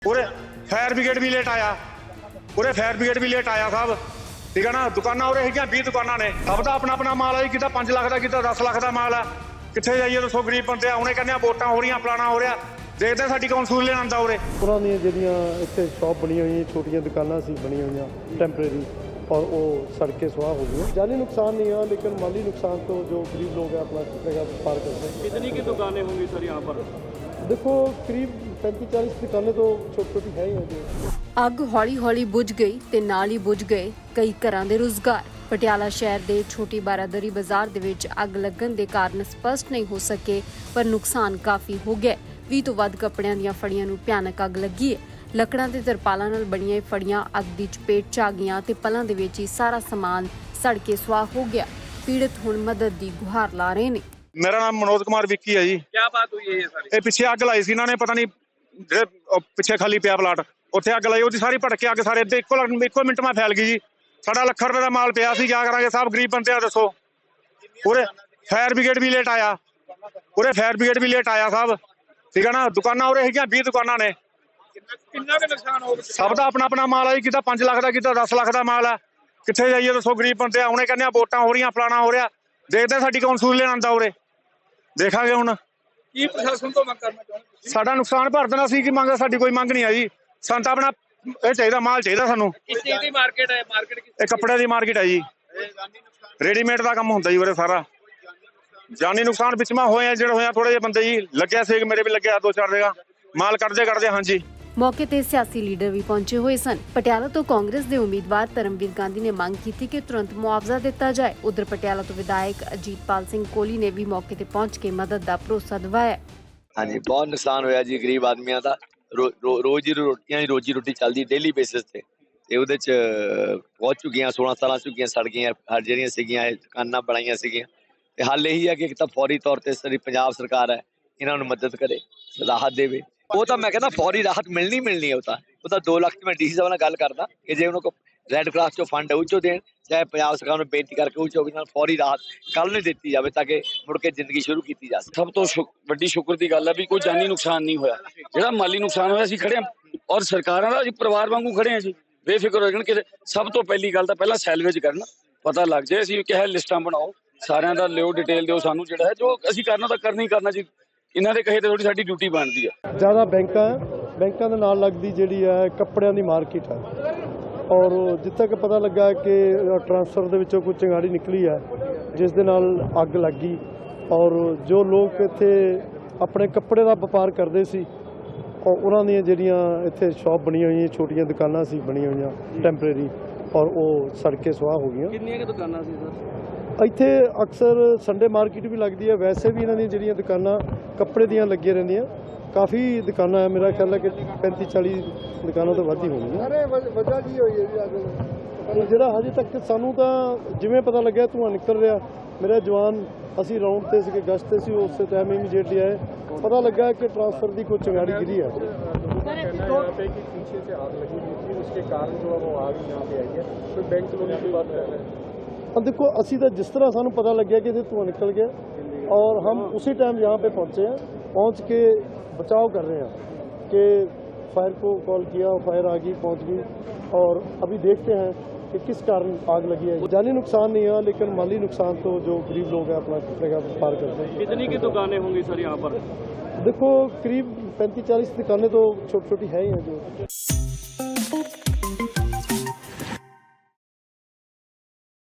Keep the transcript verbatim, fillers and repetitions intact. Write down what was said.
पूरे fire brigade भी late आया पूरे फायर ब्रिगेड भी लेट आया साहब ठीक है ना। दुकाना उरे है बीस दुकाना ने सब का अपना अपना माल है कि पांच लाख का कि दस लाख का माल है कितने जाइए दसो गरीब बंदे आने कहने वोटा हो रही फलाना हो रहा देखते साडी कौन सूल लेन आंदा उरे। ਉਹਨਾਂ ਦੀਆਂ ਜਿਹੜੀਆਂ ਇੱਥੇ ਸ਼ਾਪ ਬਣੀ ਹੋਈਆਂ ਛੋਟੀਆਂ ਦੁਕਾਨਾਂ ਸੀ ਬਣੀਆਂ ਹੋਈਆਂ ਟੈਂਪਰੇਰੀ और वो सड़कें सुहा हो गई। जानी नुकसान नहीं है लेकिन माली नुकसान तो जो गरीब लोग हैं अपना जगह पार करते हैं। कितनी की दुकानें होंगी सर यहाँ पर? देखो करीब पैंतीस चालीस दुकानें तो छोटी छोटी है ही हैं जी। ਅੱਗ ਹੌਲੀ ਹੌਲੀ ਬੁਝ ਗਈ ਤੇ ਨਾਲ ਹੀ ਬੁਝ ਗਏ ਕਈ ਘਰਾਂ ਦੇ ਰੁਜ਼ਗਾਰ। ਪਟਿਆਲਾ ਸ਼ਹਿਰ ਦੇ ਛੋਟੀ ਬਾਰਾਦਰੀ ਬਾਜ਼ਾਰ ਦੇ ਵਿੱਚ ਅੱਗ ਲੱਗਣ ਦੇ ਕਾਰਨ ਸਪਸ਼ਟ ਨਹੀਂ ਹੋ ਸਕੇ ਪਰ ਨੁਕਸਾਨ ਕਾਫੀ ਹੋ ਗਿਆ। ਵੀਹ ਤੋਂ ਵੱਧ ਕੱਪੜਿਆਂ ਦੀਆਂ ਫੜੀਆਂ ਨੂੰ ਭਿਆਨਕ ਅੱਗ ਲੱਗੀ ਹੈ। ਲੱਕੜਾਂ ਤੇ ਤਰਪਾਲਾਂ ਨਾਲ ਬਣੀਆਂ ਇਹ ਫੜੀਆਂ ਅੱਗ ਦੀ ਚਪੇਟ 'ਚ ਆ ਗਈਆਂ ਤੇ ਪਲਾਂ ਦੇ ਵਿੱਚ ਹੀ ਸਾਰਾ ਸਮਾਨ ਸੜ ਕੇ ਸੁਆਹ ਹੋ ਗਿਆ। ਪੀੜਤ ਹੁਣ ਮਦਦ ਦੀ ਗੁਹਾਰ ਲਾ ਰਹੇ ਨੇ। मेरा नाम मनोज कुमार विक्की है जी। क्या बात हुई है ये सारी? ये पिछे अग लाई सी इन्होंने पता नहीं ਜਿਹੜੇ ਪਿੱਛੇ ਖਾਲੀ ਪਿਆ ਪਲਾਟ ਉੱਥੇ ਅੱਗ ਲਾਈ ਉਹਦੀ ਸਾਰੀ ਭੜਕ ਕੇ ਅੱਗ ਸਾਰੇ ਇੱਥੇ ਇੱਕੋ ਇੱਕੋ ਮਿੰਟ ਮੈਂ ਫੈਲ ਗਈ ਜੀ। ਸਾਡਾ ਲੱਖ ਰੁਪਏ ਦਾ ਮਾਲ ਪਿਆ ਸੀ ਕਿਆ ਕਰਾਂਗੇ ਸਾਹਿਬ ਗਰੀਬ ਬੰਦੇ ਆ ਦੱਸੋ। ਪੂਰੇ ਫਾयर ब्रिगेड भी लेट आया पूरे फायर ब्रिगेड भी लेट आया साहब ठीक है ना। दुकाना उरे है बीस दुकाना ने कितना का नुकसान हो गया? सब का अपना अपना माल है कि पांच लाख का कि दस लाख का माल है कितने जाइए दसो गरीब बंदे आने कहने वोटा हो रही फलाना हो रहा देखते साडी कौन सूल लेन आंदा उरे देखा ਹੁਣ ਕੀ ਪ੍ਰਸ਼ਾਸਨ ਤੋਂ ਮੰਗ ਕਰਨਾ ਚਾਹੁੰਦੇ? ਸਾਡਾ ਨੁਕਸਾਨ ਭਰ ਦੇਣਾ ਸੀ ਕਿ ਮੰਗ ਸਾਡੀ ਕੋਈ ਮੰਗ ਨਹੀਂ ਆ ਜੀ। ਸਾਨੂੰ ਤਾਂ ਆਪਣਾ ਇਹ ਚਾਹੀਦਾ ਮਾਲ ਚਾਹੀਦਾ ਸਾਨੂੰ। ਕਿਸ ਚੀਜ਼ ਦੀ ਮਾਰਕੀਟ ਹੈ? ਮਾਰਕੀਟ ਕਿਸ? ਇਹ ਕੱਪੜੇ ਦੀ ਮਾਰਕੀਟ ਹੈ ਜੀ। ਰੈਡੀਮੇਡ ਦਾ ਕੰਮ ਹੁੰਦਾ ਜੀ ਉਰੇ ਸਾਰਾ। ਜਾਨੀ ਨੁਕਸਾਨ ਵਿੱਚ ਮਾ ਹੋਏ ਆ ਜਿਹੜੇ ਹੋਇਆ ਥੋੜੇ ਜਿਹੇ ਬੰਦੇ ਜੀ ਲੱਗਿਆ ਸੀ ਮੇਰੇ ਵੀ ਲੱਗਿਆ ਦੋ ਚਾਰ ਜਗ੍ਹਾ ਮਾਲ ਕੱਢਦੇ ਕੱਢਦੇ ਹਾਂਜੀ। ਮੌਕੇ ਤੇ ਸਿਆਸੀ ਲੀਡਰ ਵੀ ਪਹੁੰਚੇ ਹੋਏ ਸਨ। ਪਟਿਆਲਾ ਤੋਂ ਕਾਂਗਰਸ ਦੇ ਉਮੀਦਵਾਰ ਧਰਮਵੀਰ ਗਾਂਧੀ ਨੇ ਮੰਗ ਕੀਤੀ ਕਿ ਤੁਰੰਤ ਮੁਆਵਜ਼ਾ ਦਿੱਤਾ ਜਾਏ। ਉਧਰ ਪਟਿਆਲਾ ਤੋਂ ਵਿਧਾਇਕ ਅਜੀਤਪਾਲ ਸਿੰਘ ਕੋਹਲੀ ਨੇ ਵੀ ਮੌਕੇ ਤੇ ਪਹੁੰਚ ਕੇ ਮਦਦ ਦਾ ਭਰੋਸਾ ਦਿਵਾਇਆ। ਹਾਂਜੀ ਬਹੁਤ ਨੁਕਸਾਨ ਹੋਇਆ ਜੀ ਗਰੀਬ ਆਦਮੀਆਂ ਦਾ। ਰੋਜ਼ ਦੀ ਰੋਟੀਆਂ ਦੀ ਰੋਜੀ ਰੋਟੀ ਚੱਲਦੀ ਡੇਲੀ ਬੇਸਿਸ ਤੇ ਤੇ ਉਹਦੇ ਚ ਪਹੁੰਚ ਚੁੱਕੀਆਂ ਸੋਲਾਂ ਸਾਲਾਂ ਚੁੱਕੀਆਂ ਸੜ ਗਈਆਂ ਹਰ ਜਿਹੜੀਆਂ ਸੀਗੀਆਂ ਦੁਕਾਨਾਂ ਬਣਾਈਆਂ ਸੀਗੀਆਂ ਤੇ ਹੱਲ ਇਹੀ ਹੈ ਕਿ ਇੱਕ ਤਾਂ ਫੌਰੀ ਤੌਰ ਤੇ ਸਾਡੀ ਪੰਜਾਬ ਸਰਕਾਰ ਹੈ ਇਹਨਾਂ ਨੂੰ ਮਦਦ ਕਰੇ ਰਾਹਤ ਦੇਵੇ। ਉਹ ਤਾਂ ਮੈਂ ਕਹਿੰਦਾ ਫੌਰੀ ਰਾਹਤ ਮਿਲਣੀ ਮਿਲਣੀ ਹੈ। ਉਹ ਤਾਂ ਉਹ ਤਾਂ ਦੋ ਲੱਖ ਮੈਂ ਡੀਸੀ ਸਾਹਿਬ ਨਾਲ ਗੱਲ ਕਰਦਾ ਕਿ ਜੇ ਉਹਨਾਂ ਕੋਲ ਰੈੱਡ ਕਰਾਸ ਚੋਂ ਫੰਡ ਉਹ ਚੋਂ ਦੇਣ ਚਾਹੇ ਪੰਜਾਬ ਸਰਕਾਰ ਨੂੰ ਬੇਨਤੀ ਕਰਕੇ ਉਹ ਚੋਂ ਵੀ ਨਾਲ ਫੌਰੀ ਰਾਹਤ ਕੱਲ੍ਹ ਨੂੰ ਦਿੱਤੀ ਜਾਵੇ ਤਾਂ ਕਿ ਮੁੜ ਕੇ ਜ਼ਿੰਦਗੀ ਸ਼ੁਰੂ ਕੀਤੀ ਜਾ ਸਕੇ। ਸਭ ਤੋਂ ਵੱਡੀ ਸ਼ੁਕਰ ਦੀ ਗੱਲ ਹੈ ਵੀ ਕੋਈ ਜਾਨੀ ਨੁਕਸਾਨ ਨਹੀਂ ਹੋਇਆ। ਜਿਹੜਾ ਮਾਲੀ ਨੁਕਸਾਨ ਹੋਇਆ ਅਸੀਂ ਖੜੇ ਹਾਂ ਔਰ ਸਰਕਾਰਾਂ ਦਾ ਅਸੀਂ ਪਰਿਵਾਰ ਵਾਂਗੂ ਖੜੇ ਹਾਂ ਜੀ। ਬੇਫਿਕਰ ਹੋ ਜਾਣ ਕਿ ਸਭ ਤੋਂ ਪਹਿਲੀ ਗੱਲ ਤਾਂ ਪਹਿਲਾਂ ਸੈਲਵੇਜ ਕਰਨ ਪਤਾ ਲੱਗ ਜਾਏ। ਅਸੀਂ ਕਿਹਾ ਲਿਸਟਾਂ ਬਣਾਓ ਸਾਰਿਆਂ ਦਾ ਲਿਓ ਡਿਟੇਲ ਦਿਓ ਸਾਨੂੰ ਜਿਹੜਾ ਹੈ ਜੋ ਅਸੀਂ ਕਰਨਾ ਤਾਂ ਕਰਨਾ ਹੀ ਕਰਨਾ ਜੀ। ਇਹਨਾਂ ਦੇ ਕਹੇ ਤੇ ਥੋੜੀ ਸਾਡੀ ਡਿਊਟੀ ਬਣਦੀ ਹੈ। ਜ਼ਿਆਦਾ ਬੈਂਕਾਂ ਬੈਂਕਾਂ ਦੇ ਨਾਲ ਲੱਗਦੀ ਜਿਹੜੀ ਹੈ ਕੱਪੜਿਆਂ ਦੀ ਮਾਰਕੀਟ ਹੈ ਔਰ ਜਿੱਥੇ ਤੱਕ ਪਤਾ ਲੱਗਾ ਕਿ ਟਰਾਂਸਫਰ ਦੇ ਵਿੱਚੋਂ ਕੋਈ ਚਿੰਗਾੜੀ ਨਿਕਲੀ ਹੈ ਜਿਸ ਦੇ ਨਾਲ ਅੱਗ ਲੱਗ ਗਈ ਔਰ ਜੋ ਲੋਕ ਇੱਥੇ ਆਪਣੇ ਕੱਪੜੇ ਦਾ ਵਪਾਰ ਕਰਦੇ ਸੀ ਔਰ ਉਹਨਾਂ ਦੀਆਂ ਜਿਹੜੀਆਂ ਇੱਥੇ ਸ਼ਾਪ ਬਣੀਆਂ ਹੋਈਆਂ ਛੋਟੀਆਂ ਦੁਕਾਨਾਂ ਸੀ ਬਣੀਆਂ ਹੋਈਆਂ ਟੈਂਪਰੇਰੀ ਔਰ ਉਹ ਸੜ ਕੇ ਸੁਆਹ ਹੋ ਗਈਆਂ। ਕਿੰਨੀਆਂ ਕਿ ਦੁਕਾਨਾਂ ਸੀ ਸਰ? ਇੱਥੇ ਅਕਸਰ ਸੰਡੇ ਮਾਰਕੀਟ ਵੀ ਲੱਗਦੀ ਹੈ। ਵੈਸੇ ਵੀ ਇਹਨਾਂ ਦੀਆਂ ਜਿਹੜੀਆਂ ਦੁਕਾਨਾਂ ਕੱਪੜੇ ਦੀਆਂ ਲੱਗੀਆਂ ਰਹਿੰਦੀਆਂ ਕਾਫੀ ਦੁਕਾਨਾਂ ਹੈ। ਮੇਰਾ ਖਿਆਲ ਹੈ ਕਿ ਪੈਂਤੀ ਚਾਲੀ ਦੁਕਾਨਾਂ ਤੋਂ ਵੱਧ ਹੀ ਹੋਣਗੀਆਂ। ਵਜ੍ਹਾ ਕੀ ਹੋਈ ਹੈ ਜੀ ਅੱਗ? ਜਿਹੜਾ ਹਜੇ ਤੱਕ ਸਾਨੂੰ ਤਾਂ ਜਿਵੇਂ ਪਤਾ ਲੱਗਿਆ ਧੂੰਆਂ ਨਿਕਲ ਰਿਹਾ ਮੇਰਾ ਜਵਾਨ ਅਸੀਂ ਰਾਉਂਡ ਤੇ ਸੀਗੇ ਗਸ਼ਤ ਤੇ ਸੀ ਉਸੇ ਟਾਈਮ ਇਮੀਡੀਏਟਲੀ ਆਏ ਪਤਾ ਲੱਗਾ ਕਿ ਟਰਾਂਸਫਰ ਦੀ ਕੋਈ ਚਿੰਗਾੜੀ ਗਿਰੀ ਹੈ। अब देखो असी तो जिस तरह सानू पता लग गया कि धुआं निकल गया और हम उसी टाइम यहाँ पे पहुँचे हैं। पहुँच के बचाव कर रहे हैं कि फायर को कॉल किया फायर आ गई पहुँच गई और अभी देखते हैं कि किस कारण आग लगी है। जानी नुकसान नहीं है लेकिन माली नुकसान तो जो गरीब लोग हैं अपना जगह पार करते हैं। कितनी की दुकानें होंगी सर यहाँ पर? देखो करीब पैंतीस चालीस दुकानें तो छोटी छोटी है ही हैं जो